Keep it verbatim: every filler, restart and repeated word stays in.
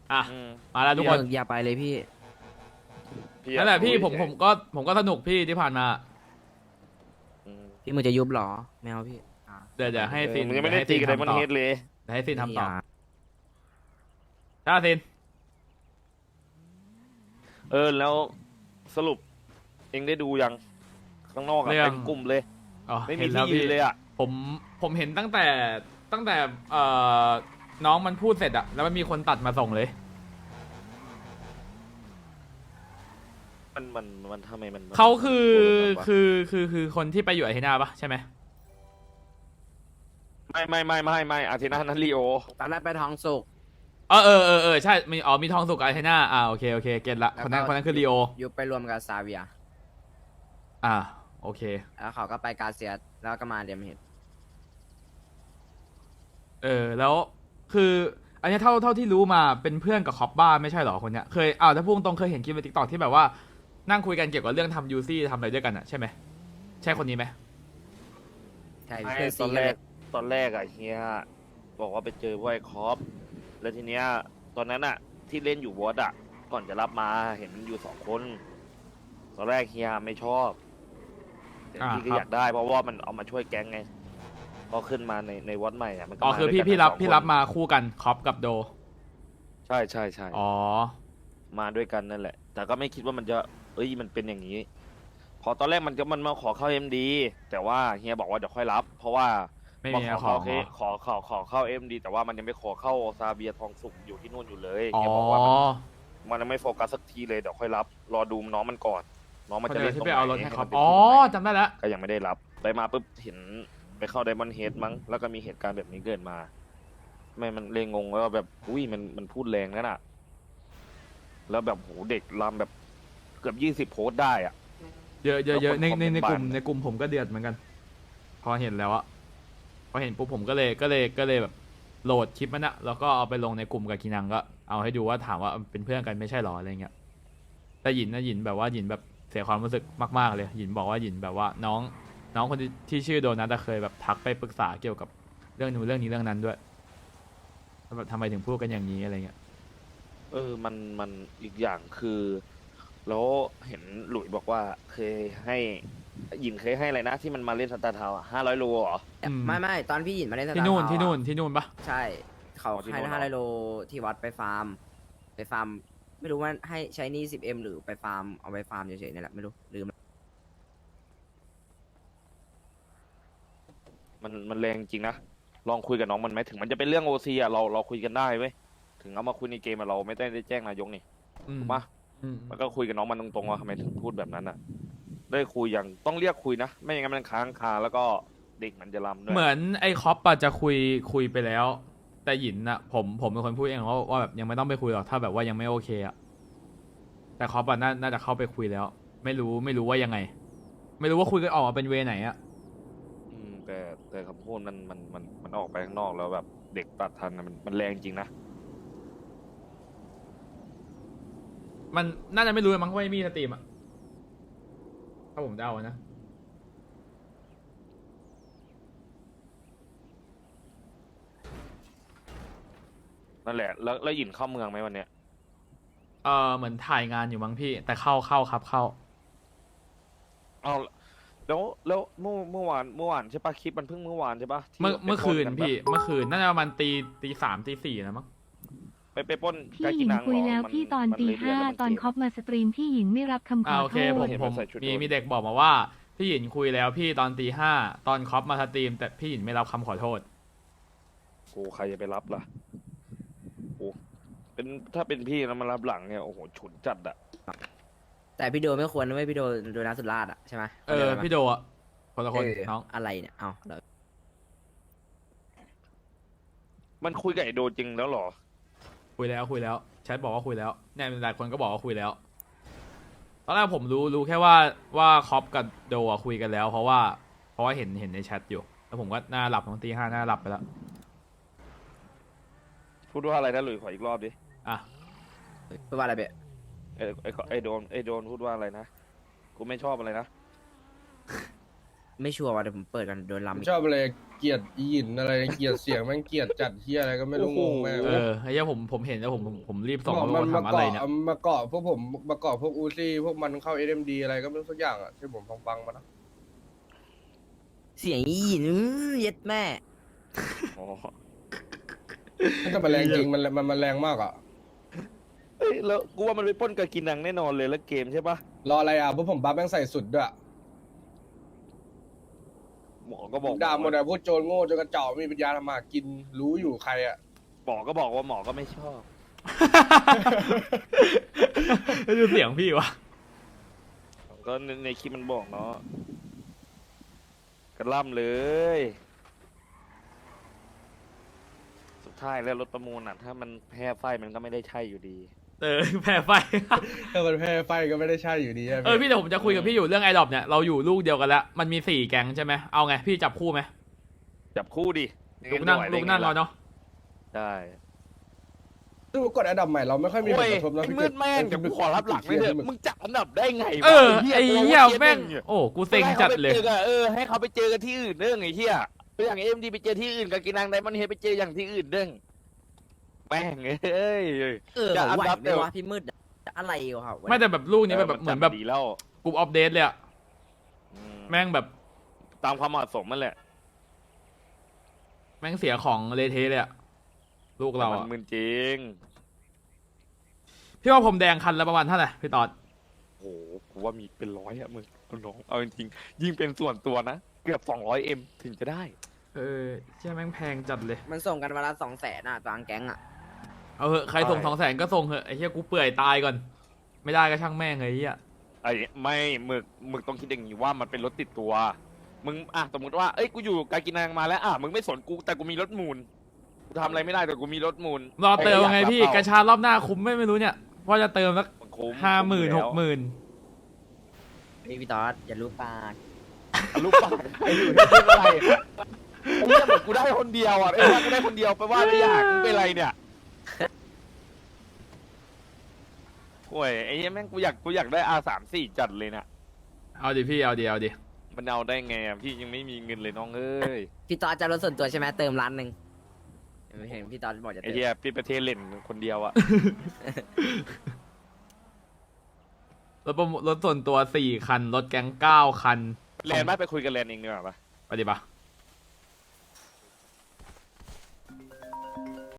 อ่ะอืมมาแล้วทุกคนอย่าไปเลยพี่พี่นั่นแหละพี่อยากผมรู้ผมก็ผมก็สนุกพี่ที่ผ่านมาอืมพี่มึงจะยุบเหรอไม่เอาพี่อ่ะเดี๋ยวเดี๋ยวให้เออซินมึงยังไม่เดี๋ได้ยวให้ตีซินกับไดมอนทำต่อเฮดเลยเดี๋ยวให้ซินทำต่อไม่ยากจ้าซินเออแล้วสรุป เองได้ดูยังข้างนอกอะเรื่องเป็นกลุ่มเลยอ๋อไม่มีเห็นแล้วที่ยืพี่นเลยอะผมผมเห็นตั้งแต่ตั้งแต่เอ่อน้องมันพูดเสร็จอะแล้วมันมีคนตัดมาส่งเลยมันมันมันทำไมมันมันเขาคือมันคือคือคือคนที่ไปอยู่ไอเทนาปะใช่ไหมไม่ไม่ไม่ไม่ไม่อาทิตย์หน้านั้นลีโอตอนแรกไปท้องสุกเออเออเออเออใช่มีอ๋อมีทองสุกไอเทนาอ่าโอเคโอเคเก็ตละคนนั้นคนนั้นคือลีโอยุบไปรวมกับซาเวียอ่าโอเคแล้วเขาก็ไปกาเซียสแล้วก็มาเดียมเฮดเออแล้วคืออันเนี้ยเท่าเท่าที่รู้มาเป็นเพื่อนกับคอปบ้าไม่ใช่เหรอคนเนี้ยเคยอ้าวถ้าพูดตรงๆเคยเห็นคลิปในทิกตอกที่แบบว่านั่งคุยกันเกี่ยวกับเรื่องทำยูซี่ทำอะไรด้วยกันอะใช่ไหมใช่คนนี้ไหมใช่ไม่เพื่อนตซีอนกัแรนเลกยตอนแรกอะเฮียบอกว่าไปเจอพวกไอ้คอปแล้วทีเนี้ยตอนนั้นอะที่เล่นอยู่วอดอะก่อนจะรับมาเห็นมันอยู่สองคน ตอนแรกเฮียไม่ชอบแต่พี่ก็อยากได้เพราะว่ามันเอามาช่วยแก๊งไงพอขึ้นมาในในวอดใหม่อะมันก็อ๋อมาคือด้วยพี่กันพี่รับสองพี่คนรับมาคู่กันคอปกับโดใช่ใช่ใช่อ๋อมาด้วยกันนั่นแหละ แต่ก็ไม่คิดว่ามันจะเอ้ยมันเป็นอย่างนี้ พอตอนแรกมันก็มันมาขอเข้าเอ็มดีแต่ว่าเฮียบอกว่าเดี๋ยวค่อยรับ เพราะว่าไม่มามีขอขอเข้าง เคเหรอขอขอขอเข้าเอ็มดีแต่ว่ามันยังไม่ขอเข้าซาเบียทองสุกอยู่ที่นู่นอยู่เลยอ๋อเฮียบอกว่ามันมันยังไม่โฟกัสสักทีเลยเดี๋ยวค่อยรับ รอดูน้องมันก่อน น้องมันเขาจะเดิเล่นนที่ตรงไปไหนเอารถให้ให้คอมัปนเป็นอ๋อที่ตรงไหนจำได้แล้วก็ยังไม่ได้รับ ไปมาปุ๊บเห็นไปเข้าไดมอนด์เฮดมั้งแล้วก็มีเหตุการณ์แบบนี้เกิดมา ไม่มันเลยงงว่าแบบอุ้ยมันมันพูดแรงนั่นน่ะ แล้วแบบโหเด็กลำแบบเกือบยี่สิบโพสต์ได้อ่ะเยอะเยอะเยอะในในในกลุ่มคอมเมนต์บานในกลุ่มผมก็เดือดเหมือนกัน พอเห็นแล้วอะพอเห็นปุ๊บผมก็เลยก็เลยก็เลยแบบโหลดคลิปมันอะแล้วก็เอาไปลงในกลุ่มกับกินังก็เอาให้ดูว่าถามว่าเป็นเพื่อนกันไม่ใช่หรออะไรเงี้ยแต่หยินนะหยินแบบว่าหยินแบบเสียความรู้สึกมากๆเลยหยินบอกว่าหยินแบบว่าน้องน้องคนที่ที่ชื่อโดนัทอะเคยแบบทักไปปรึกษาเกี่ยวกับเรื่องนู้นเรื่องนี้เรื่องนั้นด้วยแบบทำไมถึงพูดกันอย่างนี้อะไรเงี้ยเออ มัน มันอีกอย่างคือ แล้วเห็นหลุยบอกว่าเคยให้หยินเคยให้อะไรนะ ที่มันมาเล่นสตาร์ทาวห้าร้อยโลเหรออืมไม่ไม่ตอนพี่หยินมาเล่นสตาร์ที่นู่นทาวที่นู่นอะที่นู่นปะใช่ เขาอ๋อที่ให้นู่นเหรอห้าร้อยโลที่วัดไปฟาร์ม ไปฟาร์ม ไม่รู้ว่าให้ใช้หนี่สิบเอ็มหรือไปฟาร์มเอาไปฟาร์มเฉยๆนี่แหละไม่รู้ลืมมัน มันแรงจริงนะ ลองคุยกับน้องมันไหมถึงมันจะเป็นเรื่องโอซีอ่ะ เรา เราคุยกันได้เว้ย ถึงเอามาคุยในเกมอะเราไม่ได้ได้แจ้งนายกนี่อืมถูกปะอืมมันก็คุยกับน้องมันตรงๆว่าทำไมถึงพูดแบบนั้นอ่ะ ได้คุยอย่างต้องเรียกคุยนะ ไม่อย่างนั้นมันค้างคาแล้วก็เด็กมันจะลำด้วยเหมือนไอ้คอปอะจะคุยคุยไปแล้ว แต่หยินอะผมผมเป็นคนพูดเองว่าว่าแบบยังไม่ต้องไปคุยหรอกถ้าแบบว่ายังไม่โอเคอะแต่คอปอะน่าน่าจะเข้าไปคุยแล้ว ไม่รู้ไม่รู้ว่ายังไง ไม่รู้ว่าคุยกันออกมาเป็นเวไหนอะอืมแต่แต่คำพูดมันมันมันมันออกไปข้างนอกแล้วแบบเด็กตัดทันนะมันมันแรงจริงนะมันน่าจะไม่รู้มั้งว่าไม่มีสตรีมอะถ้าผมเดานะนั่นแหละ แล้วแล้วหยินเข้าเมืองไหมวันเนี้ยเออเหมือนถ่ายงานอยู่มั้งพี่ แต่เข้าเข้าครับเข้าเอาแล้วแล้วเมื่อเมื่อวานเมื่อวานใช่ปะคลิปมันเพิ่งเมื่อวานใช่ปะที่เมื่อไปเมื่อปล้คืนกัปะพี่เมื่อคืนน่าจะประมาณตีตีสามตีสี่นะมั้งไปไปปล้นพี่กาหกิญิงนังคุยเหรแล้วมันพี่ตอนมันตีเลยเรียห้ากแล้วมัตอนเกมคอปมาสตรีมพี่หญิงไม่รับคำขอ่าอโอโทเคผมษเห็นผมันมใส่ชุดมีโดนมีเด็กบอกมาว่าพี่หยินคุยแล้วพี่ตอนตีห้าตอนคอปมาสตรีม แต่พี่หยินไม่รับคำขอโทษกูใครจะไปรับล่ะโอ้เป็นถ้าเป็นพี่แล้วมารับหลังเนี่ยโอ้โหฉุนจัดอะแต่พี่โดไม่ควรนะไม่พี่โดโดนัทสุดราชอะใช่ไหมเออพี่โดอะคนละคนเออน้องอะไรเนี่ยเอาเดี๋ยวมันคุยกับไอโดจริงแล้วเหรอคุยแล้วคุยแล้วแชทบอกว่าคุยแล้วเนี่ยหลายคนก็บอกว่าคุยแล้วตอนแรกผมรู้รู้แค่ว่าว่าคอปกับโดอะคุยกันแล้ว เพราะว่าเพราะว่าเห็นเห็นในแชทอยู่แล้วผมก็น่าหลับตอนตีห้าน่าหลับไปแล้วพูดว่าอะไรนะหลุยขออีกรอบดิอ่ะพูดว่าอะไรเบะไอไอไอโดนไอโดนพูดว่าอะไรนะกูไม่ชอบอะไรนะไม่ชัวร์ว่าเดี๋ยวผมเปิดกันโดนลำผมอีกชอบอะไรเกลียดอีหยินอะไรเกลียดเสียงแม่งเกลียดจัดเฮียอะไรก็ไม่รู้งงแม่งเออไอ้เหี้ยผมผมเห็นแล้วผมผมผมรีบส่งบอกมามันว่ามาทำอะไรเกาะเนี่ยมาเกาะพวกผมมาเกาะพวกอูซี่พวกมันเข้าเอ็มดีอะไรก็ไม่รู้สักอย่างอ่ะที่ผมฟังๆมานะเสียงอีหยินอื้อเย็ดแม่อ๋อแต่มันแรงจริงมันมันมันแรงมากอ่ะเอ้ยแล้วกูว่ามันไปปล้นกับกินังแน่นอนเลยแล้วเกมใช่ปะรออะไรอ่ะพวกผมบัฟแม่งใส่สุดด้วยหมอก็บอกด่าหมดอ่ะพวกโจรโง่โจรกระจอกไม่มีปัญญาทำมาหากินรู้อยู่ใครอ่ะหมอก็บอกว่าหมอก็ไม่ชอบดูเสียงพี่วะก็ในในคลิปมันบอกเนาะกระล่ำเลย สุดท้ายแล้วรถประมูลอ่ะ ถ้ามันแพ้ไฟมันก็ไม่ได้ใช่อยู่ดีเออแพ้ไฟถ้ามันแพ้ไฟก็ไม่ได้ใช่อยู่ดีะเออพี่เดี๋ยวผมจะคุยกับพี่อยู่เรื่องไอดอปเนี่ยเราอยู่ลูกเดียวกันแล้วมันมีสี่แก๊งใช่ไหมเอาไงพี่จับคู่ไหมจับคู่ดิลูกนั่งไหวได้ลูกนั่งไเราเนาะได้ซึ่งกดอันดับใหม่เราไม่ค่อยมีผโอ้ลยกระทบนะไอ้พี่มืดแม่งเดี๋ยวกูขอรับหลังไม่เถอะมึงจับอันดับได้ไงวะเออไอ้เหี้ยกูแม่งเหี้ยโอ้กูเซ็งจัดเลยให้ขาไปจอกันเออให้เขาไปเจอกันที่อื่นเด้งไอ้เหี้ยไปอย่างเอ็มดีไปเจอที่อื่นกับกินังไดมอนด์เฮดไปเจออย่างที่อื่นเด้งแม่งเอ้ยเออจะอันไหวดับไหมเดียววะพี่มืดอะอะไรวะครับไม่แต่แบบลูกนี้แบบเหมือนแบบดีแล้วกลุ่มอัปเดตเลยอะอืมแม่งแบบตามความเหมาะสมมันแหละแม่งเสียของเลเทเลยอะลูกเรามัอะนมึนจริงพี่ว่าผมแดงคันละประมาณเท่าไหร่พี่ตอดโอ้โหกูว่ามีเป็นร้อยอะมึงน้องเอาจริงๆยิ่งเป็นส่วนตัวนะเกือบสองร้อยเอ็มถึงจะได้เออเชื่อแม่งแพงจัดเลยมันส่งกันวันละสองแสนอ่ะกลางแก๊งอ่ะเอาเหอะใครส่งใช่สองแสนก็ส่งเหอะไอ้เหี้ยกูเปื่อยตายก่อน ไม่ได้ก็ช่างแม่งเลยไอ้เหี้ยไอ้ไม่หมึกหมึกต้องคิดอย่างนี้ว่ามันเป็นรถติดตัว มึงอ่ะสมมติว่าเอ้ยกูอยู่กากินังมาแล้วอ่ะมึงไม่สนกูแต่กูมีรถมูลกูทำอะไรไม่ได้แต่กูมีรถมูลรอเติมไงพี่ใครกก็ระอยาชารอบหน้าคุ้มไม่ไม่รู้เนี่ยว่าจะเติมสักมันคุ้มห้าหมื่นหคุ้กอยู่หมื่นพี่พี่ตอดอย่ารู้ปากแล้วลูกปากใครอยู่ที่เป็นอะไรไอ้เหี้ยเหมือนกูได้คนเดียวอ่ะเอ้ยว่ากูได้คนเดียวไปว่าไม่อยากมึงเป็นไรเนี่ยโอ้ยไอ้เหี้ยแม่งกูอยากกูอยากได้ อาร์ สามสี่ จัดเลยเนี่ยเอาดิพี่เอาดิเอาดิมันเอาได้ไงอ่ะพี่ยังไม่มีเงินเลยน้องเอ้ยพี่ตอดจะรถส่วนตัวใช่ไหมเติมล้านหนึ่งเห็นพี่ตอดบอกจะไอ้เติมเหี้ยพี่ประเทศเล่นคนเดียวอ่ะรถประมูลรถส่วนตัวสี่คัน รถแก๊งเก้าคันแลนด์ไม่ไปคุยกันแลนด์เองดีกว่าปะไปดิปะ